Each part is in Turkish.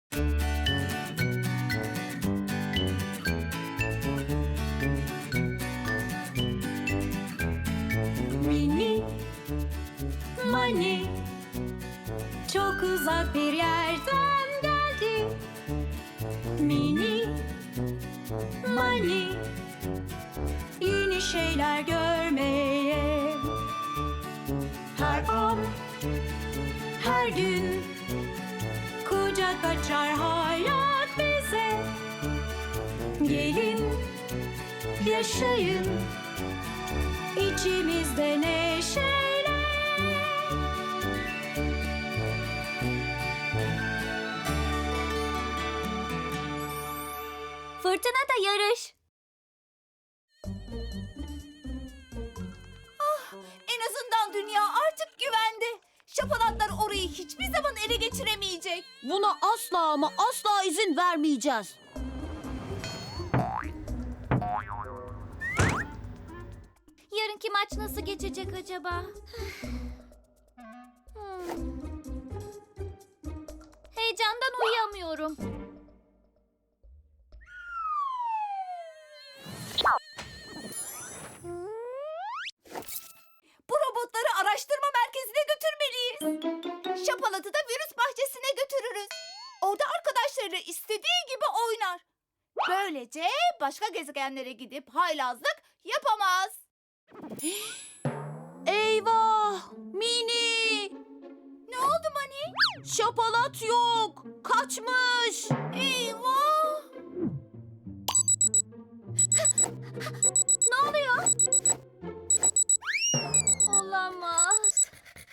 Mini Mani çok uzak bir yerden geldi. Mini Mani yeni şeyler görmeye. Her an, her gün kucak açar hayat bize. Gelin, yaşayın içimizde neşeyle. Fırtınada yarış. En azından dünya artık güvende. Şapalatlar orayı hiçbir zaman ele geçiremeyecek. Buna asla ama asla izin vermeyeceğiz. Yarınki maç nasıl geçecek acaba? Heyecandan uyuyamıyorum. Bu robotları araştırma merkezine götürmeliyiz. Şapalat'ı da virüs bahçesine götürürüz. Orada arkadaşlarıyla istediği gibi oynar. Böylece başka gezegenlere gidip haylazlık yapamaz. Eyvah! Mini! Ne oldu Mani? Şapalat yok! Kaçmış! Eyvah! Ne oluyor? Olamaz.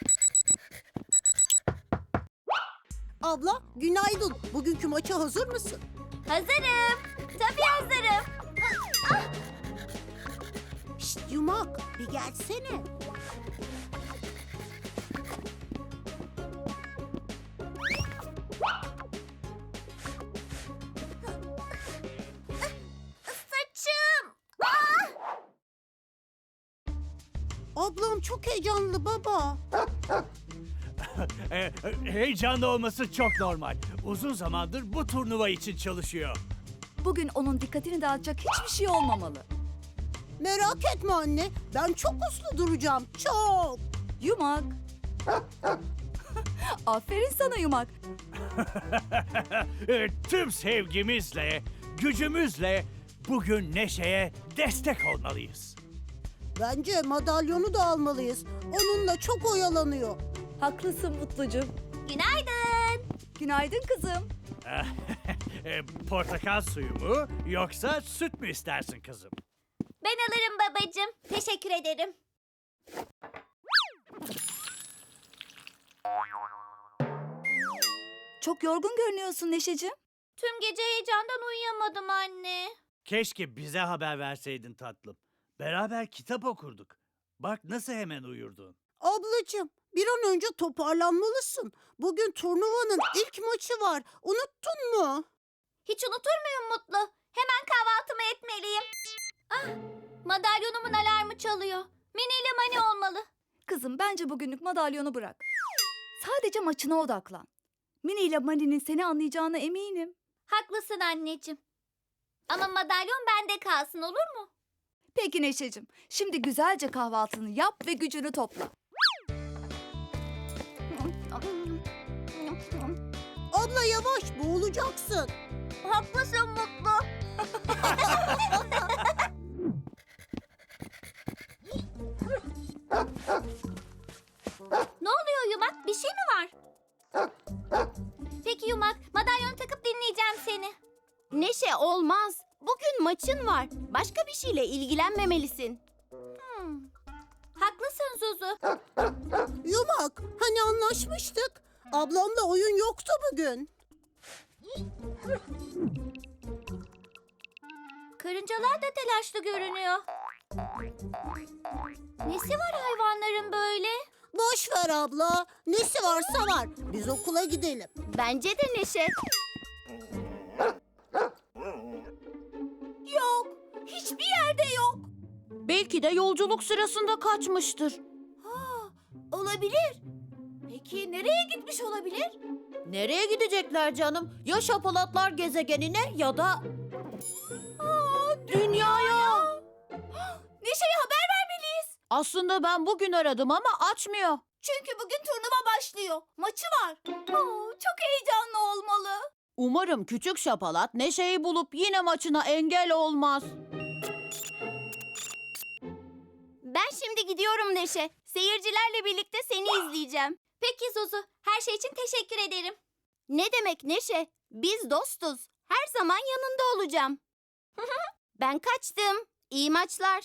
Abla, günaydın. Bugünkü maça hazır mısın? Hazırım. Tabii hazırım. Şşt Yumak, bir gelsene. Saçım! Ablam çok heyecanlı baba. Heyecanlı olması çok normal. Uzun zamandır bu turnuva için çalışıyor. Bugün onun dikkatini dağıtacak hiçbir şey olmamalı. Merak etme anne, ben çok uslu duracağım, çok. Yumak. Aferin sana Yumak. Tüm sevgimizle, gücümüzle bugün Neşe'ye destek olmalıyız. Bence madalyonu da almalıyız. Onunla çok oyalanıyor. Haklısın Mutlucuğum. Günaydın. Günaydın kızım. Portakal suyu mu yoksa süt mü istersin kızım? Ben alırım babacığım. Teşekkür ederim. Çok yorgun görünüyorsun Neşeciğim. Tüm gece heyecandan uyuyamadım anne. Keşke bize haber verseydin tatlım. Beraber kitap okurduk. Bak nasıl hemen uyurdun. Ablacığım, bir an önce toparlanmalısın. Bugün turnuvanın ilk maçı var. Unuttun mu? Hiç unutur muyum Mutlu? Hemen kahvaltımı etmeliyim. Ah, madalyonumun alarmı çalıyor. Mini ile Mani olmalı. Kızım bence bugünlük madalyonu bırak. Sadece maçına odaklan. Mini ile Mani'nin seni anlayacağına eminim. Haklısın anneciğim. Ama madalyon bende kalsın olur mu? Peki Neşeciğim, şimdi güzelce kahvaltını yap ve gücünü topla. Abla yavaş, boğulacaksın. Haklısın Mutlu. Ne oluyor Yumak? Bir şey mi var? Peki Yumak, madalyon takıp dinleyeceğim seni. Neşe olmaz. Bugün maçın var. Başka bir şeyle ilgilenmemelisin. Haklısın Zuzu. Yumak, hani anlaşmıştık? Ablamla oyun yoktu bugün. Karıncalar da telaşlı görünüyor. Nesi var hayvanların böyle? Boş ver abla. Nesi varsa var. Biz okula gidelim. Bence de Neşe. Yok, hiçbir yerde yok. Belki de yolculuk sırasında kaçmıştır. Olabilir. Peki Peki nereye gitmiş olabilir? Nereye gidecekler canım? Ya şapalatlar gezegenine ya da... Dünyaya. Neşe'ye haber vermeliyiz. Aslında ben bugün aradım ama açmıyor. Çünkü bugün turnuva başlıyor. Maçı var. Çok heyecanlı olmalı. Umarım küçük şapalat Neşe'yi bulup yine maçına engel olmaz. Ben şimdi gidiyorum Neşe. Seyircilerle birlikte seni izleyeceğim. Peki Zuzu, her şey için teşekkür ederim. Ne demek Neşe? Biz dostuz. Her zaman yanında olacağım. Ben kaçtım. İyi maçlar.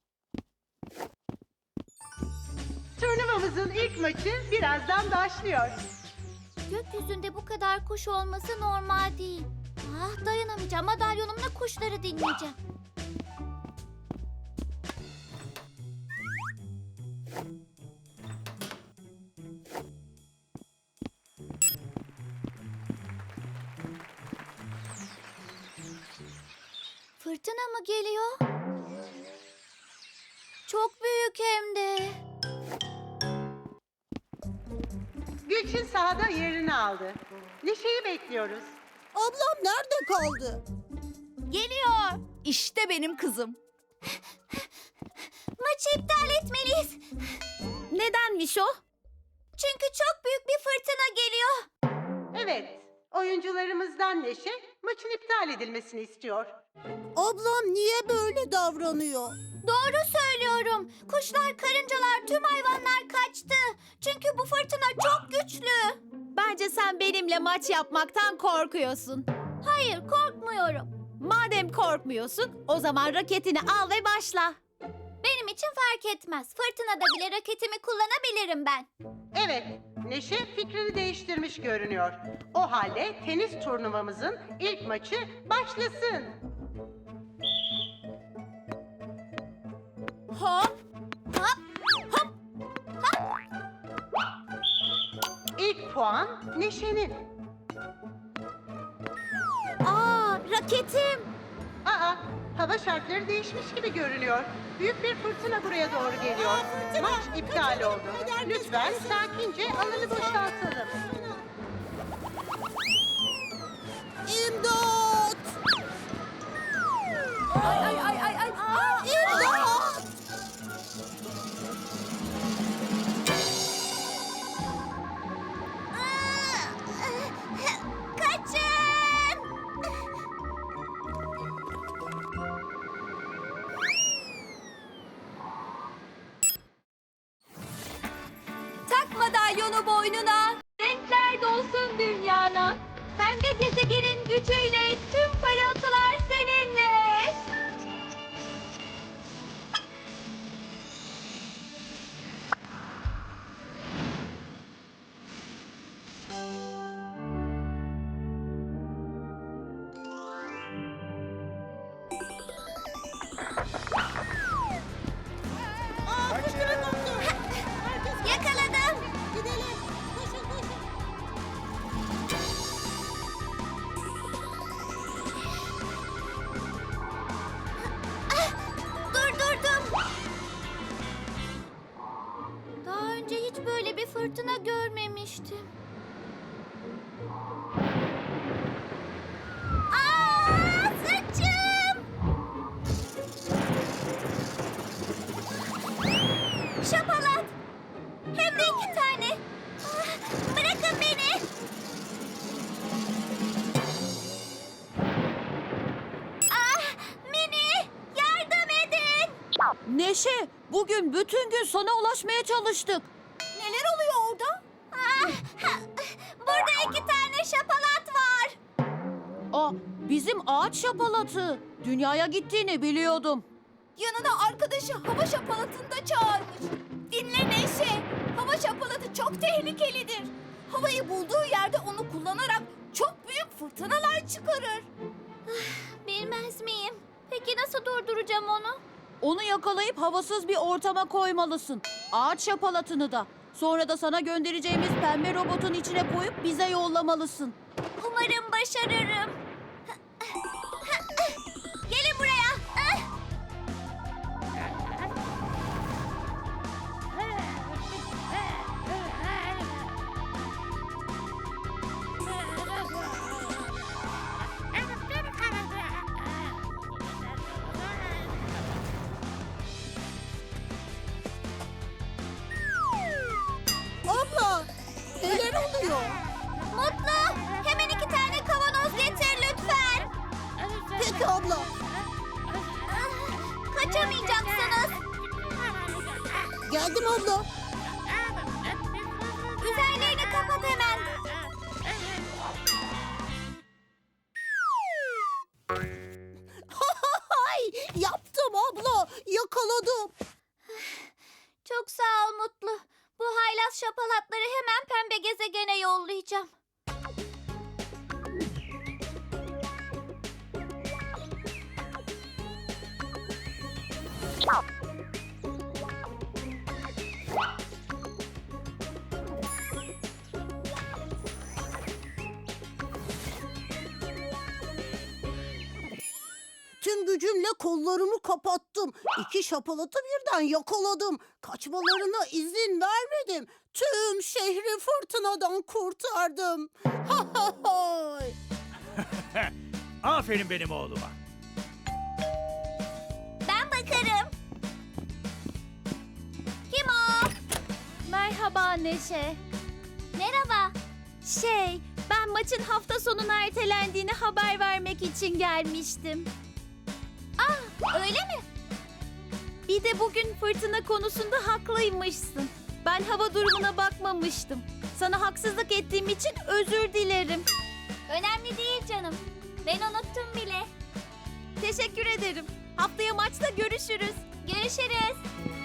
Turnuvamızın ilk maçı birazdan başlıyor. Gökyüzünde bu kadar kuş olması normal değil. Dayanamayacağım. Madalyonumla kuşları dinleyeceğim. Fırtına mı geliyor? Çok büyük hem de. Gülçin sahada yerini aldı. Neşe'yi bekliyoruz. Ablam nerede kaldı? Geliyor. İşte benim kızım. Maçı iptal etmeliyiz. Nedenmiş o? Çünkü çok büyük bir fırtına geliyor. Evet, oyuncularımızdan Neşe maçın iptal edilmesini istiyor. Ablam niye böyle davranıyor? Doğru söylüyorum. Kuşlar, karıncalar, tüm hayvanlar kaçtı. Çünkü bu fırtına çok güçlü. Bence sen benimle maç yapmaktan korkuyorsun. Hayır, korkmuyorum. Madem korkmuyorsun, o zaman raketini al ve başla. Benim için fark etmez. Fırtınada bile raketimi kullanabilirim ben. Evet, Neşe fikrini değiştirmiş görünüyor. O halde tenis turnuvamızın ilk maçı başlasın. Hop. İlk puan Neşe'nin. Raketim. Aa, hava şartları değişmiş gibi görünüyor. Büyük bir fırtına buraya doğru geliyor. Maç iptal oldu. Lütfen sakince alanı boşaltalım. İmdat! Ay. İmdat! Kaçın! Tak madalyonu boynuna. Renkler dolsun dünyana. Pembe gezegenin gücüyle tüm parıltılar seninle. Yakaladım. Gidelim. Koşun. Durdurdum. Daha önce hiç böyle bir fırtına görmemiştim. Saçım! Şapalat! Hem de 2 tane. Bırakın beni. Mini! Yardım edin! Neşe, bugün bütün gün sana ulaşmaya çalıştık. Neler oluyor orada? Burada 2 tane şapalat var. Bizim ağaç şapalatı. Dünyaya gittiğini biliyordum. Yanına arkadaşı hava şapalatını da çağırmış. Dinle Neşe. Hava şapalatı çok tehlikelidir. Havayı bulduğu yerde onu kullanarak çok büyük fırtınalar çıkarır. Bilmez miyim? Peki nasıl durduracağım onu? Onu yakalayıp havasız bir ortama koymalısın. Ağaç şapalatını da. Sonra da sana göndereceğimiz pembe robotun içine koyup bize yollamalısın. Umarım başarırım. Gelin buraya. Mutlu, hemen 2 tane kavanoz getir lütfen. Peki abla. Kaçamayacaksınız. Geldim abla. Üzerlerini kapat hemen. Hay, yaptım abla. Yakaladım. Çok sağ ol Mutlu. Bu haylaz şapalatları hemen pembe gezegene yollayacağım. Tüm gücümle kollarımı kapattım. 2 şapalatı birden yakaladım. Kaçmalarına izin vermedim. Tüm şehri fırtınadan kurtardım. Ha ha hay. Aferin benim oğluma. Ben bakarım. Kim o? Merhaba Neşe. Merhaba. Ben maçın hafta sonuna ertelendiğini haber vermek için gelmiştim. Öyle mi? Bir de bugün fırtına konusunda haklıymışsın. Ben hava durumuna bakmamıştım. Sana haksızlık ettiğim için özür dilerim. Önemli değil canım. Ben unuttum bile. Teşekkür ederim. Haftaya maçta görüşürüz. Görüşürüz.